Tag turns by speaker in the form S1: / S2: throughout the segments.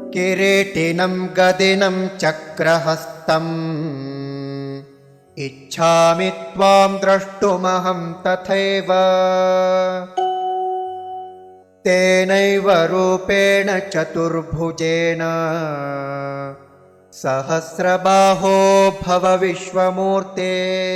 S1: किरीटिनं गदिनं चक्रहस्तम् इच्छामि त्वां द्रष्टुमहं तथैव तेनैव रूपेण चतुर्भुजेन सहस्रबाहो भव विश्वमूर्ते।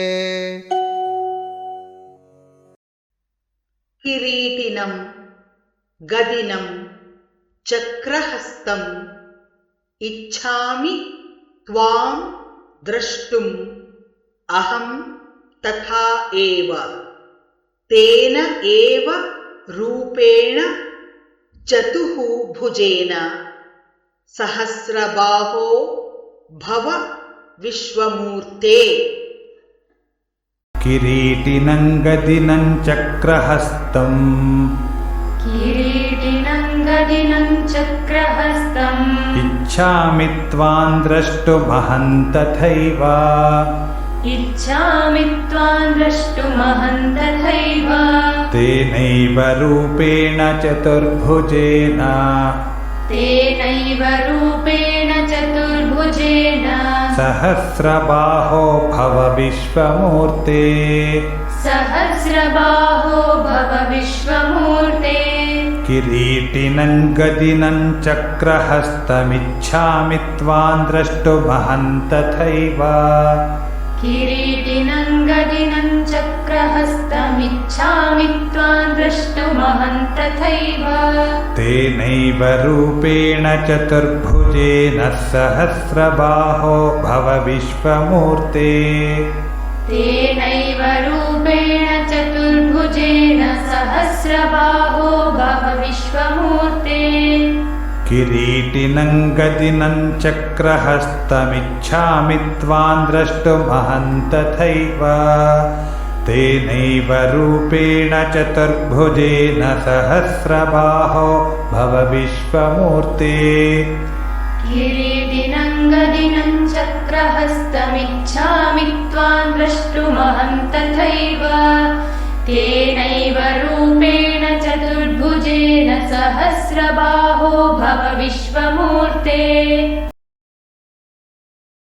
S2: किरीटिनं गदिनं चक्रहस्तम् इच्छामि त्वां द्रष्टुम् अहं तथा एव तेन एव रूपेण चतुर्भुजेन सहस्रबाहो भव विश्वमूर्ते।
S3: किरीटिनं गदिनं चक्रहस्तम् इच्छामि त्वां द्रष्टुमहं तथैव तेनैव रूपेण चतुर्भुजेन सहस्रबाहो भव विश्वमूर्ते। किरीटिनं गदिनं चक्रहस्तमिच्छामि त्वां द्रष्टुमहं तथैव तेनैव रूपेण चतुर्भुजेन सहस्रबाहो भव विश्वमूर्ते। किरीटिनं गदिनं चक्रहस्तमिच्छामि त्वां द्रष्टुमहं तथैव तेनैव रूपेण चतुर्भुजेन सहस्रबाहो भव विश्वमूर्ते।
S4: किरीटिनं गदिनं चक्रहस्तमिच्छामि त्वां द्रष्टुमहं तथैव तेनैव रूपेण चतुर्भुजेन सहस्रबाहो भव विश्वमूर्ते।